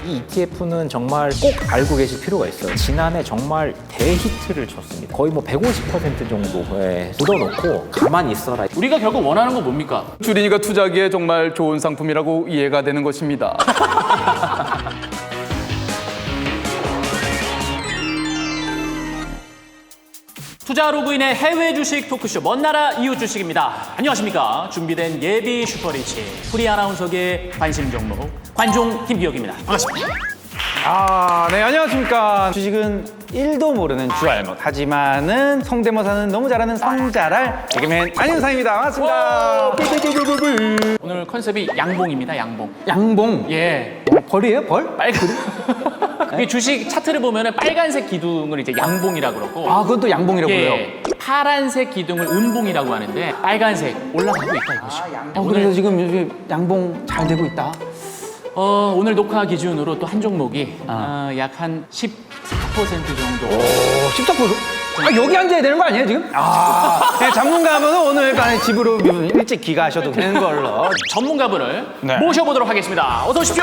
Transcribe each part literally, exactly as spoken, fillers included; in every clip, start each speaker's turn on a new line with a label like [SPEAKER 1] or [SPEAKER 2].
[SPEAKER 1] 이 이티에프는 정말 꼭 알고 계실 필요가 있어요. 지난해 정말 대히트를 쳤습니다. 거의 뭐 백오십 퍼센트 정도에 묻어놓고 가만히 있어라.
[SPEAKER 2] 우리가 결국 원하는 건 뭡니까?
[SPEAKER 3] 주린이가 투자하기에 정말 좋은 상품이라고 이해가 되는 것입니다.
[SPEAKER 2] 투자 로그인의 해외 주식 토크쇼 먼나라 이웃 주식입니다. 안녕하십니까? 준비된 예비 슈퍼리치 프리 아나운서계 관심 종목 관종 김기혁입니다. 반갑습니다.
[SPEAKER 4] 아, 네, 안녕하십니까. 주식은 일도 모르는 주알못. 하지만은 성대모사는 너무 잘하는 성잘할 개그맨 안윤상입니다. 반갑습니다.
[SPEAKER 2] 오늘 컨셉이 양봉입니다. 양봉.
[SPEAKER 4] 양봉.
[SPEAKER 2] 예.
[SPEAKER 4] 어, 벌이에요, 벌?
[SPEAKER 2] 빨간. 이 주식 차트를 보면은 빨간색 기둥을 이제 양봉이라고 그러고.
[SPEAKER 4] 아, 그건 또 양봉이라고 그래요.
[SPEAKER 2] 예. 파란색 기둥을 은봉이라고 하는데 빨간색 올라가고 있다 이것이.
[SPEAKER 4] 어, 그래서 지금 요즘 양봉 잘 되고 있다.
[SPEAKER 2] 어, 오늘 녹화 기준으로 또 한 종목이 어, 약 한 십사 퍼센트 정도.
[SPEAKER 4] 오, 십사 퍼센트? 아, 여기 앉아야 되는 거 아니에요, 지금? 아, 네, 전문가분은 오늘 밤에 집으로 일찍 귀가하셔도 되는 걸로.
[SPEAKER 2] 전문가분을
[SPEAKER 4] 네.
[SPEAKER 2] 모셔보도록 하겠습니다. 어서 오십시오.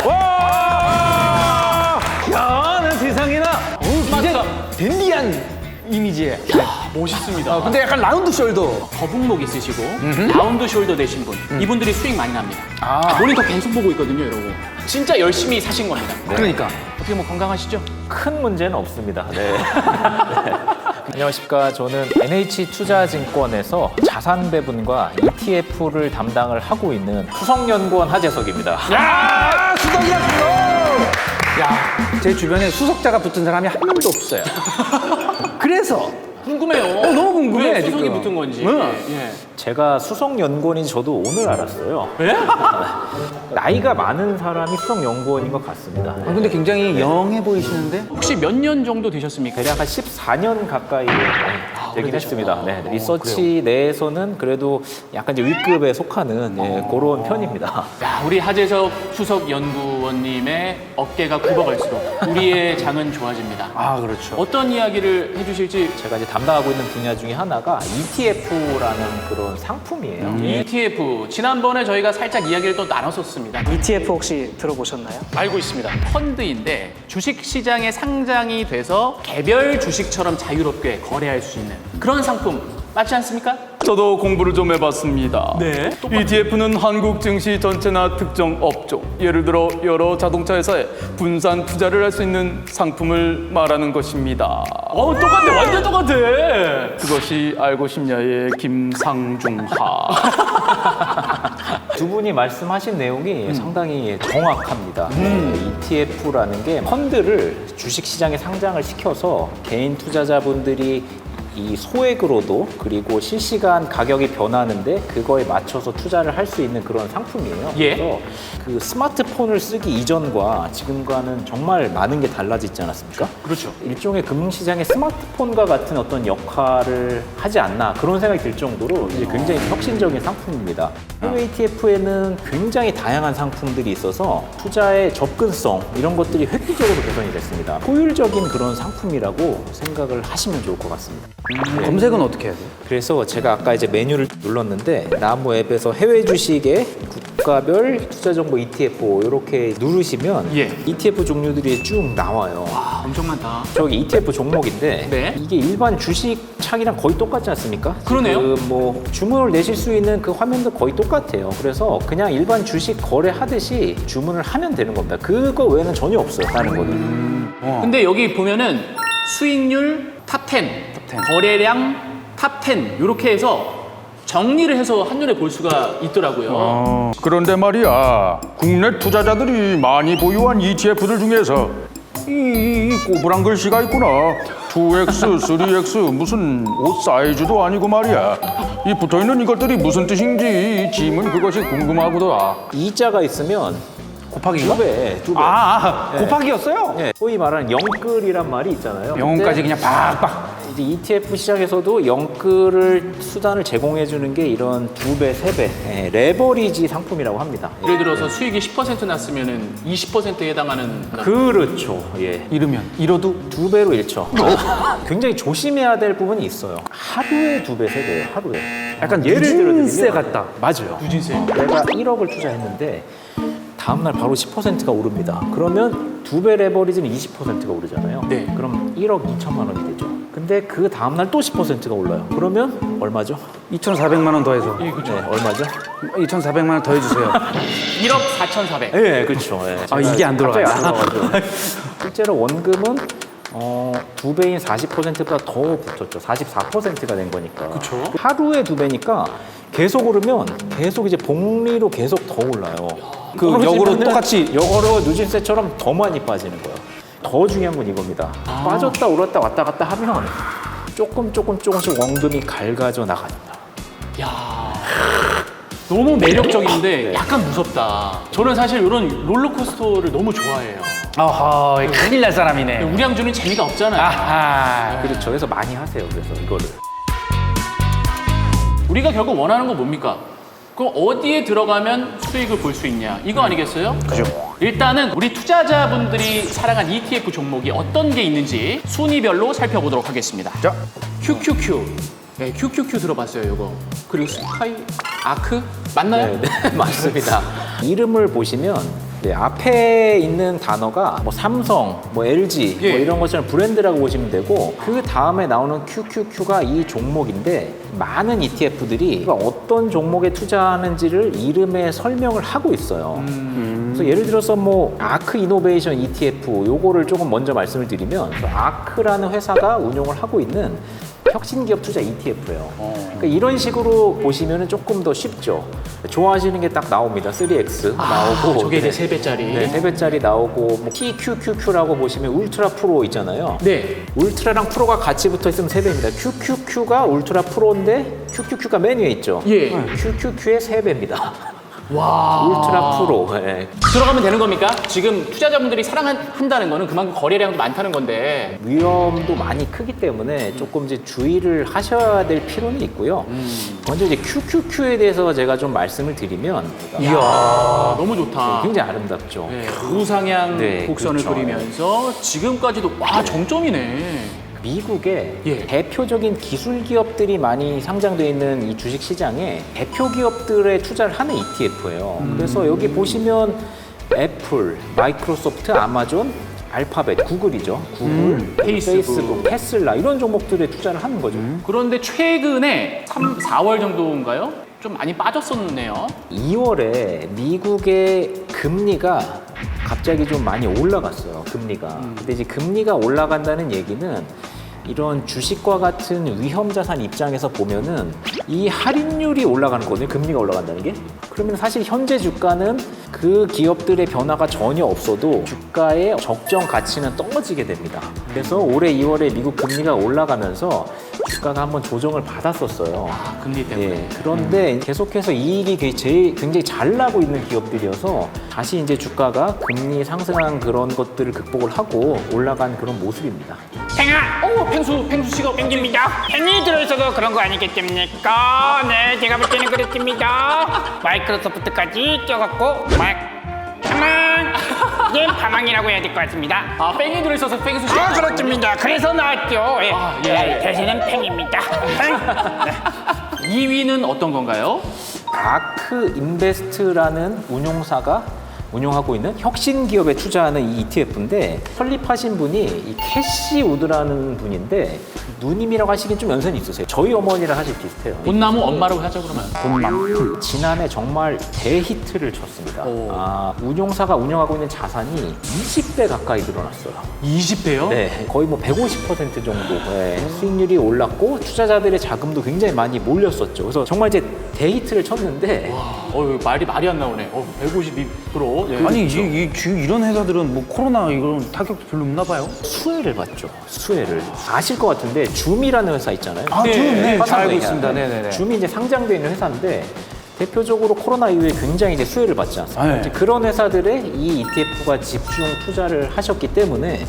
[SPEAKER 4] 와! 야, 난 세상에나. 오, 굉장히
[SPEAKER 2] 스마트한.
[SPEAKER 4] 댄디한 이미지에.
[SPEAKER 2] 멋있습니다.
[SPEAKER 4] 어, 근데 약간 라운드 숄더.
[SPEAKER 2] 거북목 있으시고 라운드 숄더 되신 분 이분들이 수익 많이 납니다.
[SPEAKER 4] 아.
[SPEAKER 2] 모니터 계속 보고 있거든요, 이러고. 진짜 열심히 사신 겁니다.
[SPEAKER 4] 그러니까.
[SPEAKER 2] 어떻게 뭐 건강하시죠?
[SPEAKER 1] 큰 문제는 없습니다. 네. 네. 안녕하십니까. 저는 엔에이치투자증권에서 자산 배분과 이티에프를 담당을 하고 있는 수석연구원 하재석입니다.
[SPEAKER 4] 야, 수석이야, 수석! 야, 제 주변에 수석자가 붙은 사람이 한 명도 없어요. 그래서
[SPEAKER 2] 궁금해요.
[SPEAKER 4] 어, 너무 궁금해,
[SPEAKER 2] 왜 수석이
[SPEAKER 4] 지금.
[SPEAKER 2] 붙은 건지.
[SPEAKER 4] 응.
[SPEAKER 2] 예.
[SPEAKER 1] 제가 수석연구원인 저도 오늘 알았어요.
[SPEAKER 2] 예?
[SPEAKER 1] 나이가 많은 사람이 수석연구원인 것 같습니다.
[SPEAKER 4] 아, 근데 굉장히 영해 보이시는데?
[SPEAKER 2] 혹시 몇 년 정도 되셨습니까?
[SPEAKER 1] 대략 한 십사 년 가까이 되긴
[SPEAKER 2] 오래되셨다.
[SPEAKER 1] 했습니다. 네, 리서치 내에서는 그래도 약간 이제 윗급에 속하는 예, 그런 편입니다.
[SPEAKER 2] 야, 우리 하재석 수석 연구원님의 어깨가 굽어갈수록 우리의 장은 좋아집니다.
[SPEAKER 4] 아, 그렇죠.
[SPEAKER 2] 어떤 이야기를 해주실지.
[SPEAKER 1] 제가 이제 담당하고 있는 분야 중에 하나가 이티에프라는 그런 상품이에요.
[SPEAKER 2] 이티에프 지난번에 저희가 살짝 이야기를 또 나눴었습니다.
[SPEAKER 5] 이티에프 혹시 들어보셨나요?
[SPEAKER 2] 알고 있습니다. 펀드인데 주식 시장에 상장이 돼서 개별 주식처럼 자유롭게 거래할 수 있는 그런 상품 맞지 않습니까?
[SPEAKER 3] 저도 공부를 좀 해봤습니다.
[SPEAKER 2] 네.
[SPEAKER 3] 이티에프는 한국 증시 전체나 특정 업종, 예를 들어 여러 자동차 회사에 분산 투자를 할 수 있는 상품을 말하는 것입니다.
[SPEAKER 2] 어, 똑같아. 완전 똑같아.
[SPEAKER 3] 그것이 알고 싶냐의 김상중하.
[SPEAKER 1] 두 분이 말씀하신 내용이 상당히 정확합니다. 이티에프라는 게 펀드를 주식시장에 상장을 시켜서 개인 투자자분들이 이 소액으로도 그리고 실시간 가격이 변하는데 그거에 맞춰서 투자를 할 수 있는 그런 상품이에요.
[SPEAKER 2] 예.
[SPEAKER 1] 그래서 그 스마트폰을 쓰기 이전과 지금과는 정말 많은 게 달라지지 않았습니까?
[SPEAKER 2] 그렇죠.
[SPEAKER 1] 일종의 금융시장의 스마트폰과 같은 어떤 역할을 하지 않나 그런 생각이 들 정도로 이제 굉장히 혁신적인 상품입니다. 해외 이티에프에는 굉장히 다양한 상품들이 있어서 투자의 접근성 이런 것들이 획기적으로 개선이 됐습니다. 효율적인 그런 상품이라고 생각을 하시면 좋을 것 같습니다.
[SPEAKER 4] 검색은 어떻게 해야 돼요?
[SPEAKER 1] 그래서 제가 아까 이제 메뉴를 눌렀는데 나무 앱에서 해외 주식의 국가별 투자 정보 이티에프 이렇게 누르시면
[SPEAKER 2] 예.
[SPEAKER 1] 이티에프 종류들이 쭉 나와요.
[SPEAKER 2] 아, 엄청 많다.
[SPEAKER 1] 저기 이티에프 종목인데
[SPEAKER 2] 네.
[SPEAKER 1] 이게 일반 주식 창이랑 거의 똑같지 않습니까?
[SPEAKER 2] 그러네요.
[SPEAKER 1] 지금 뭐 주문을 내실 수 있는 그 화면도 거의 똑같아요. 그래서 그냥 일반 주식 거래하듯이 주문을 하면 되는 겁니다. 그거 외에는 전혀 없어요. 다른 거는.
[SPEAKER 2] 근데 여기 보면은 수익률 탑 텐, 거래량 탑 텐 이렇게 해서 정리를 해서 한눈에 볼 수가 있더라고요.
[SPEAKER 3] 어, 그런데 말이야, 국내 투자자들이 많이 보유한 이티에프들 중에서 이, 이, 이 꼬부랑 글씨가 있구나. 투 엑스, 쓰리 엑스 무슨 옷 사이즈도 아니고 말이야. 이 붙어있는 이것들이 무슨 뜻인지 짐은 그것이 궁금하구나.
[SPEAKER 1] 이자가 있으면
[SPEAKER 4] 곱하기인가?
[SPEAKER 1] 두 배, 두 배.
[SPEAKER 4] 아, 아, 곱하기였어요?
[SPEAKER 1] 네, 소위 말하는 영끌이란 말이 있잖아요.
[SPEAKER 4] 영혼까지
[SPEAKER 1] 근데
[SPEAKER 4] 그냥 팍팍.
[SPEAKER 1] 이제 이티에프 시장에서도 영끌을 수단을 제공해 주는 게 이런 두 배, 세 배 예, 레버리지 상품이라고 합니다.
[SPEAKER 2] 예를 들어서 수익이 십 퍼센트 났으면은 이십 퍼센트에 해당하는
[SPEAKER 1] 그렇죠. 예.
[SPEAKER 4] 이러면 이러도
[SPEAKER 1] 두 배로 잃죠. 굉장히 조심해야 될 부분이 있어요. 하루에 두 배, 세 배예요. 하루에.
[SPEAKER 4] 약간
[SPEAKER 1] 예를
[SPEAKER 4] 누진세
[SPEAKER 1] 들어드리면
[SPEAKER 4] 같다.
[SPEAKER 1] 맞아요.
[SPEAKER 2] 누진세.
[SPEAKER 1] 내가 일억을 투자했는데 다음날 바로 십 퍼센트가 오릅니다. 그러면 두 배 레버리지는 이십 퍼센트가 오르잖아요.
[SPEAKER 2] 네.
[SPEAKER 1] 그럼 일억 이천만 원이 되죠. 근데 그 다음날 또 십 퍼센트가 올라요. 그러면 얼마죠?
[SPEAKER 4] 이천사백만 원 더해서.
[SPEAKER 1] 네, 얼마죠?
[SPEAKER 4] 이천사백만 원 더해주세요.
[SPEAKER 2] 일억 사천사백.
[SPEAKER 1] 네, 그렇죠. 예.
[SPEAKER 4] 아, 이게 안 들어와요.
[SPEAKER 1] 갑자기 안 들어가죠. 실제로 원금은 어, 두 배인 사십 퍼센트보다 더 붙었죠. 사십사 퍼센트가 된 거니까.
[SPEAKER 2] 그쵸.
[SPEAKER 1] 하루에 두 배니까 계속 오르면 계속 이제 복리로 계속 더 올라요. 그 역으로 똑같이 역으로 누진세처럼 더 많이 빠지는 거예요. 더 중요한 건 이겁니다.
[SPEAKER 2] 아.
[SPEAKER 1] 빠졌다 오랐다 왔다 갔다 하면 조금 조금 조금씩 원금이 갈가져 나갑니다.
[SPEAKER 2] 야, 너무 매력적인데 약간 무섭다. 저는 사실 이런 롤러코스터를 너무 좋아해요.
[SPEAKER 4] 어허, 큰일 날 사람이네.
[SPEAKER 2] 우리 양주는 재미가 없잖아요.
[SPEAKER 4] 아하.
[SPEAKER 1] 그렇죠. 그래서 많이 하세요. 그래서 이거를.
[SPEAKER 2] 우리가 결국 원하는 건 뭡니까? 그럼 어디에 들어가면 수익을 볼 수 있냐? 이거 아니겠어요?
[SPEAKER 4] 그죠.
[SPEAKER 2] 일단은 우리 투자자분들이 사랑한 이티에프 종목이 어떤 게 있는지 순위별로 살펴보도록 하겠습니다.
[SPEAKER 4] 자,
[SPEAKER 2] 큐큐큐. 네, 큐큐큐 들어봤어요, 이거. 그리고 스카이 아크 맞나요?
[SPEAKER 1] 네, 네, 맞습니다. 이름을 보시면 네, 앞에 있는 단어가 뭐 삼성, 뭐 엘지
[SPEAKER 2] 예.
[SPEAKER 1] 뭐 이런 것처럼 브랜드라고 보시면 되고 그 다음에 나오는 큐큐큐가 이 종목인데 많은 이티에프들이 어떤 종목에 투자하는지를 이름에 설명을 하고 있어요. 그래서 예를 들어서 뭐 아크 이노베이션 이티에프 요거를 조금 먼저 말씀을 드리면 아크라는 회사가 운용을 하고 있는 혁신기업 투자 이티에프예요. 그러니까 이런 식으로 보시면 조금 더 쉽죠. 좋아하시는 게 딱 나옵니다. 쓰리 엑스 나오고
[SPEAKER 2] 저게 이제
[SPEAKER 1] 네.
[SPEAKER 2] 세 배짜리.
[SPEAKER 1] 네, 세 배짜리 나오고 뭐 티큐큐큐라고 보시면 울트라 프로 있잖아요.
[SPEAKER 2] 네.
[SPEAKER 1] 울트라랑 프로가 같이 붙어 있으면 세 배입니다. 큐큐큐가 울트라 프로인데 큐큐큐가 맨 위에 있죠.
[SPEAKER 2] 예.
[SPEAKER 1] 큐큐큐의 세 배입니다.
[SPEAKER 2] 와.
[SPEAKER 1] 울트라 프로. 예.
[SPEAKER 2] 들어가면 되는 겁니까? 지금 투자자분들이 사랑한다는 거는 그만큼 거래량도 많다는 건데.
[SPEAKER 1] 위험도 많이 크기 때문에 조금 이제 주의를 하셔야 될 필요는 있고요. 먼저 이제 큐큐큐에 대해서 제가 좀 말씀을 드리면
[SPEAKER 2] 이야, 너무 좋다.
[SPEAKER 1] 굉장히 아름답죠.
[SPEAKER 2] 네, 우상향
[SPEAKER 1] 네,
[SPEAKER 2] 곡선을
[SPEAKER 1] 그렇죠.
[SPEAKER 2] 그리면서 지금까지도 와 정점이네.
[SPEAKER 1] 미국의
[SPEAKER 2] 예.
[SPEAKER 1] 대표적인 기술 기업들이 많이 상장되어 있는 이 주식 시장에 대표 기업들에 투자를 하는 이티에프예요. 그래서 여기 보시면 애플, 마이크로소프트, 아마존, 알파벳, 구글이죠. 구글,
[SPEAKER 2] 페이스북.
[SPEAKER 1] 페이스북, 테슬라 이런 종목들에 투자를 하는 거죠.
[SPEAKER 2] 그런데 최근에 삼, 사월 정도인가요? 좀 많이 빠졌었네요.
[SPEAKER 1] 이월에 미국의 금리가 갑자기 좀 많이 올라갔어요. 금리가. 근데 이제 금리가 올라간다는 얘기는 이런 주식과 같은 위험 자산 입장에서 보면은 이 할인율이 올라가는 거거든요. 금리가 올라간다는 게. 그러면 사실 현재 주가는 그 기업들의 변화가 전혀 없어도 주가의 적정 가치는 떨어지게 됩니다. 그래서 올해 이월에 미국 금리가 올라가면서 주가가 한번 조정을 받았었어요.
[SPEAKER 2] 아, 금리 때문에.
[SPEAKER 1] 예, 그런데 계속해서 이익이 게- 제일 굉장히 잘 나고 있는 기업들이어서 다시 이제 주가가 금리 상승한 그런 것들을 극복을 하고 올라간 그런 모습입니다.
[SPEAKER 2] 팽아! 오, 팽수, 팽수 씨가
[SPEAKER 6] 땡깁니다. 팬이 들어있어도 그런 거 아니겠습니까? 네, 제가 볼 때는 그렇습니다. 마이크로소프트까지 껴갖고 막 파망! 예, 파망이라고 해야 될 것 같습니다.
[SPEAKER 2] 아, 팽이 들어있어서 팽수 씨.
[SPEAKER 6] 아, 그렇습니다. 그래서 나왔죠. 예,
[SPEAKER 2] 아, 예,
[SPEAKER 6] 예,
[SPEAKER 2] 예.
[SPEAKER 6] 대신은 팽입니다. 팽.
[SPEAKER 2] 이 위는 어떤 건가요?
[SPEAKER 1] 아크 인베스트라는 운용사가 운용하고 있는 혁신 기업에 투자하는 이 이티에프인데 설립하신 분이 이 캐시 우드라는 분인데 누님이라고 하시긴 좀 연세는 있으세요. 저희 어머니랑 사실 비슷해요.
[SPEAKER 2] 봄나무 엄마라고 하자 그러면.
[SPEAKER 1] 지난해 정말 대히트를 쳤습니다.
[SPEAKER 2] 오.
[SPEAKER 1] 아, 운용사가 운영하고 있는 자산이 이십 배 가까이 늘어났어요.
[SPEAKER 2] 이십 배요?
[SPEAKER 1] 네, 거의 뭐 백오십 퍼센트 정도 네, 수익률이 올랐고 투자자들의 자금도 굉장히 많이 몰렸었죠. 그래서 정말 이제 데이트를 쳤는데
[SPEAKER 2] 어, 말이 말이 안 나오네. 어, 백오십이 퍼센트. 예.
[SPEAKER 4] 아니 이, 이, 이 이런 회사들은 뭐 코로나 이런 타격도 별로 없나 봐요.
[SPEAKER 1] 수혜를 받죠. 수혜를 아실 것 같은데 줌이라는 회사 있잖아요.
[SPEAKER 4] 아,
[SPEAKER 2] 네,
[SPEAKER 4] 줌, 네,
[SPEAKER 1] 화상
[SPEAKER 4] 잘 알고
[SPEAKER 1] 회의하는.
[SPEAKER 4] 있습니다. 네네네.
[SPEAKER 1] 줌이 이제 상장되어 있는 회사인데 대표적으로 코로나 이후에 굉장히 이제 수혜를 받지 않습니까?
[SPEAKER 4] 네.
[SPEAKER 1] 이제 그런 회사들에 이 이티에프가 집중 투자를 하셨기 때문에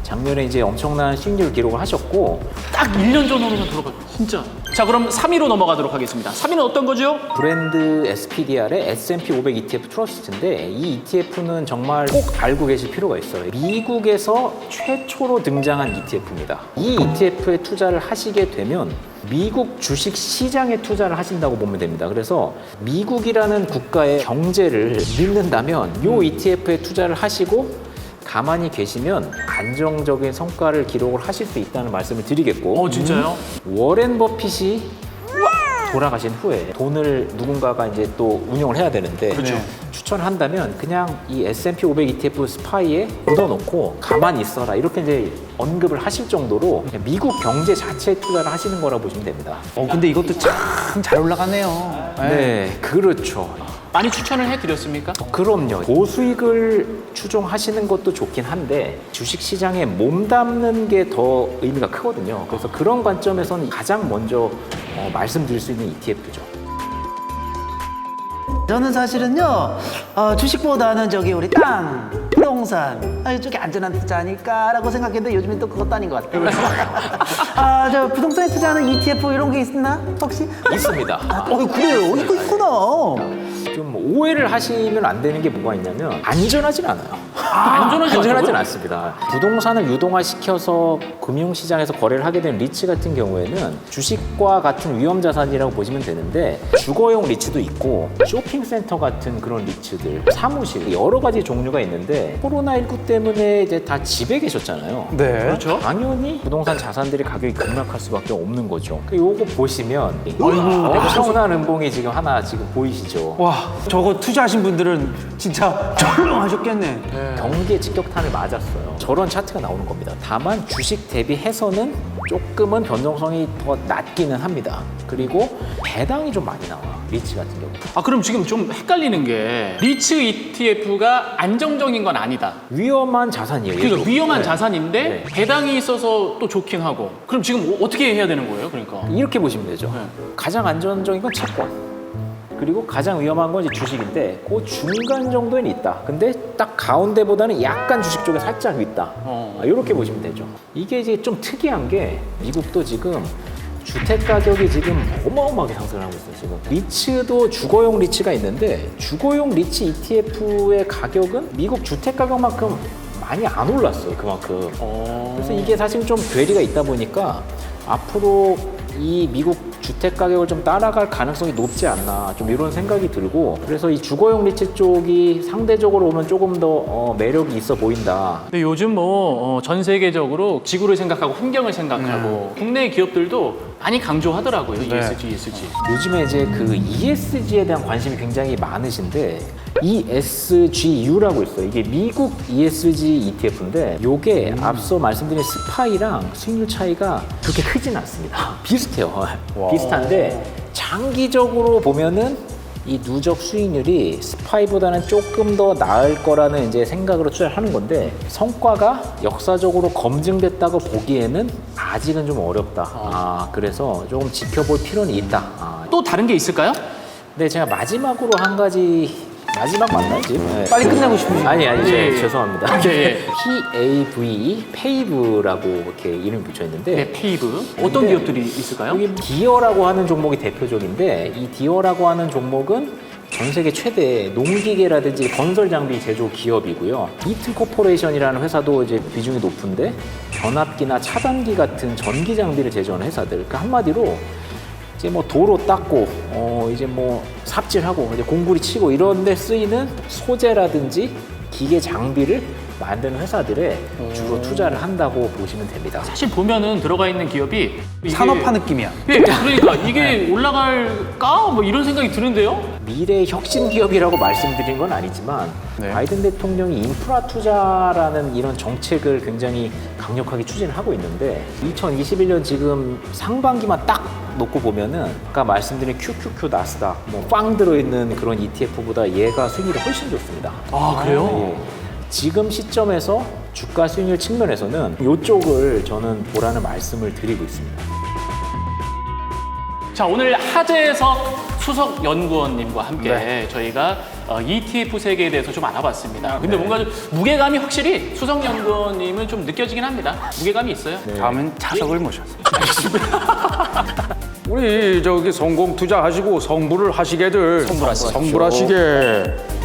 [SPEAKER 1] 작년에 이제 엄청난 수익률 기록을 하셨고
[SPEAKER 2] 딱 일 년 전으로는 들어가 진짜. 자, 그럼 삼 위로 넘어가도록 하겠습니다. 삼 위는 어떤 거죠?
[SPEAKER 1] 브랜드 에스피디알의 에스 앤 피 오백 이티에프 트러스트인데 이 이티에프는 정말 꼭 알고 계실 필요가 있어요. 미국에서 최초로 등장한 이티에프입니다. 이 이티에프에 투자를 하시게 되면 미국 주식 시장에 투자를 하신다고 보면 됩니다. 그래서 미국이라는 국가의 경제를 믿는다면 이 이티에프에 투자를 하시고 가만히 계시면 안정적인 성과를 기록을 하실 수 있다는 말씀을 드리겠고
[SPEAKER 2] 어, 진짜요?
[SPEAKER 1] 워렌 버핏이 돌아가신 후에 돈을 누군가가 이제 또 운용을 해야 되는데
[SPEAKER 2] 그렇죠.
[SPEAKER 1] 추천을 한다면 그냥 이 에스 앤 피 오백 이티에프 스파이에 묻어놓고 가만히 있어라 이렇게 이제 언급을 하실 정도로 미국 경제 자체에 투자를 하시는 거라고 보시면 됩니다.
[SPEAKER 4] 어, 근데 이것도 참 잘 올라가네요.
[SPEAKER 1] 네, 그렇죠.
[SPEAKER 2] 많이 추천을 해드렸습니까?
[SPEAKER 1] 그럼요. 고수익을 추종하시는 것도 좋긴 한데 주식 시장에 몸담는 게 더 의미가 크거든요. 그래서 그런 관점에서는 가장 먼저 어, 말씀드릴 수 있는 이티에프죠.
[SPEAKER 7] 저는 사실은요 어, 주식보다는 저기 우리 땅, 부동산 아, 이쪽이 안전한 투자 아닐까라고 생각했는데 요즘엔 또 그것도 아닌 것 같아요. 아, 저 부동산에 투자하는 이티에프 이런 게 있나 혹시?
[SPEAKER 1] 있습니다.
[SPEAKER 7] 어, 그래요. 이거 있구나.
[SPEAKER 1] 좀 오해를 하시면 안 되는 게 뭐가 있냐면 안전하진 않아요.
[SPEAKER 2] 안전하지
[SPEAKER 1] 안전하진
[SPEAKER 2] 않다고요?
[SPEAKER 1] 않습니다. 부동산을 유동화시켜서 금융시장에서 거래를 하게 된 리츠 같은 경우에는 주식과 같은 위험 자산이라고 보시면 되는데 주거용 리츠도 있고 쇼핑센터 같은 그런 리츠들, 사무실 여러 가지 종류가 있는데 코로나십구 때문에 이제 다 집에 계셨잖아요.
[SPEAKER 4] 네.
[SPEAKER 2] 그렇죠.
[SPEAKER 1] 당연히 부동산 자산들이 가격이 급락할 수밖에 없는 거죠. 요거 보시면 엄청난 은봉이 지금 하나 지금 보이시죠?
[SPEAKER 4] 와, 저거 투자하신 분들은 진짜 쩔렁하셨겠네.
[SPEAKER 1] 경기에 직격탄을 맞았어요. 저런 차트가 나오는 겁니다. 다만 주식 대비해서는 조금은 변동성이 더 낮기는 합니다. 그리고 배당이 좀 많이 나와. 리츠 같은 경우.
[SPEAKER 2] 아, 그럼 지금 좀 헷갈리는 게 리츠 이티에프가 안정적인 건 아니다.
[SPEAKER 1] 위험한 자산이에요.
[SPEAKER 2] 그러니까
[SPEAKER 1] 얘도.
[SPEAKER 2] 위험한
[SPEAKER 1] 네.
[SPEAKER 2] 자산인데
[SPEAKER 1] 네.
[SPEAKER 2] 배당이 있어서 또 좋긴 하고. 그럼 지금 어- 어떻게 해야 되는 거예요? 그러니까.
[SPEAKER 1] 이렇게 보시면 되죠.
[SPEAKER 2] 네.
[SPEAKER 1] 가장 안전적인 건 채권. 그리고 가장 위험한 건 이제 주식인데 그 중간 정도는 있다. 근데 딱 가운데보다는 약간 주식 쪽에 살짝 있다.
[SPEAKER 2] 어.
[SPEAKER 1] 아, 이렇게 보시면 되죠. 이게 이제 좀 특이한 게 미국도 지금 주택 가격이 지금 어마어마하게 상승을 하고 있어요. 지금 리츠도 주거용 리츠가 있는데 주거용 리츠 이티에프의 가격은 미국 주택 가격만큼 많이 안 올랐어요. 그만큼.
[SPEAKER 2] 어.
[SPEAKER 1] 그래서 이게 사실 좀 괴리가 있다 보니까 앞으로 이 미국 주택 가격을 좀 따라갈 가능성이 높지 않나 좀 이런 생각이 들고 그래서 이 주거용 리츠 쪽이 상대적으로 보면 조금 더 어, 매력이 있어 보인다.
[SPEAKER 2] 근데 요즘 뭐 전 세계적으로 지구를 생각하고 환경을 생각하고 국내 기업들도 많이 강조하더라고요. 이에스지, 이에스지.
[SPEAKER 1] 요즘에 이제 그 이에스지에 대한 관심이 굉장히 많으신데 이에스지유라고 있어요. 이게 미국 이에스지 이티에프인데 이게 앞서 말씀드린 스파이랑 수익률 차이가 그렇게 크진 않습니다. 비슷해요. 비슷한데 장기적으로 보면은 이 누적 수익률이 스파이보다는 조금 더 나을 거라는 이제 생각으로 투자를 하는 건데 성과가 역사적으로 검증됐다고 보기에는 아직은 좀 어렵다. 아, 그래서 조금 지켜볼 필요는 있다. 아,
[SPEAKER 2] 또 다른 게 있을까요?
[SPEAKER 1] 네, 제가 마지막으로 한 가지 마지막 맞나요 지금? 네.
[SPEAKER 4] 빨리 끝내고 싶으시죠?
[SPEAKER 1] 아니 아니
[SPEAKER 2] 예,
[SPEAKER 1] 저,
[SPEAKER 2] 예.
[SPEAKER 1] 죄송합니다.
[SPEAKER 2] 예, 예.
[SPEAKER 1] 피에이브이 페이브라고 이렇게 이름이 붙여 있는데
[SPEAKER 2] 네, 페이브. 어떤
[SPEAKER 1] 근데
[SPEAKER 2] 기업들이 있을까요?
[SPEAKER 1] 여기 디어라고 하는 종목이 대표적인데 이 디어라고 하는 종목은 전 세계 최대 농기계라든지 건설 장비 제조 기업이고요. 이튼 코퍼레이션이라는 회사도 이제 비중이 높은데 변압기나 차단기 같은 전기 장비를 제조하는 회사들. 그러니까 한마디로 이제 뭐 도로 닦고 어 이제 뭐 삽질하고 이제 공구리 치고 이런 데 쓰이는 소재라든지 기계 장비를 만드는 회사들에 주로 투자를 한다고 보시면 됩니다.
[SPEAKER 2] 사실 보면은 들어가 있는 기업이 이게-
[SPEAKER 4] 산업화 느낌이야.
[SPEAKER 2] 예, 그러니까 이게 올라갈까? 뭐 이런 생각이 드는데요.
[SPEAKER 1] 미래 혁신 기업이라고 말씀드린 건 아니지만
[SPEAKER 4] 네.
[SPEAKER 1] 바이든 대통령이 인프라 투자라는 이런 정책을 굉장히 강력하게 추진을 하고 있는데 이천이십일 년 지금 상반기만 딱 놓고 보면은 아까 말씀드린 큐큐큐 나스닥 뭐꽝 들어있는 그런 이티에프보다 얘가 수익률이 훨씬 좋습니다.
[SPEAKER 2] 아, 그래요?
[SPEAKER 1] 예. 지금 시점에서 주가 수익률 측면에서는 이쪽을 저는 보라는 말씀을 드리고 있습니다.
[SPEAKER 2] 자, 오늘 화제에서 수석 연구원님과 함께 저희가 어, 이티에프 세계에 대해서 좀 알아봤습니다. 근데 뭔가 좀 무게감이 확실히 수석 연구원님은 좀 느껴지긴 합니다. 무게감이 있어요.
[SPEAKER 4] 다음은 자석을 모셨어요.
[SPEAKER 3] 우리 저기 성공 투자하시고 성불을 하시게들
[SPEAKER 2] 성불하시십시오.
[SPEAKER 3] 성불하시게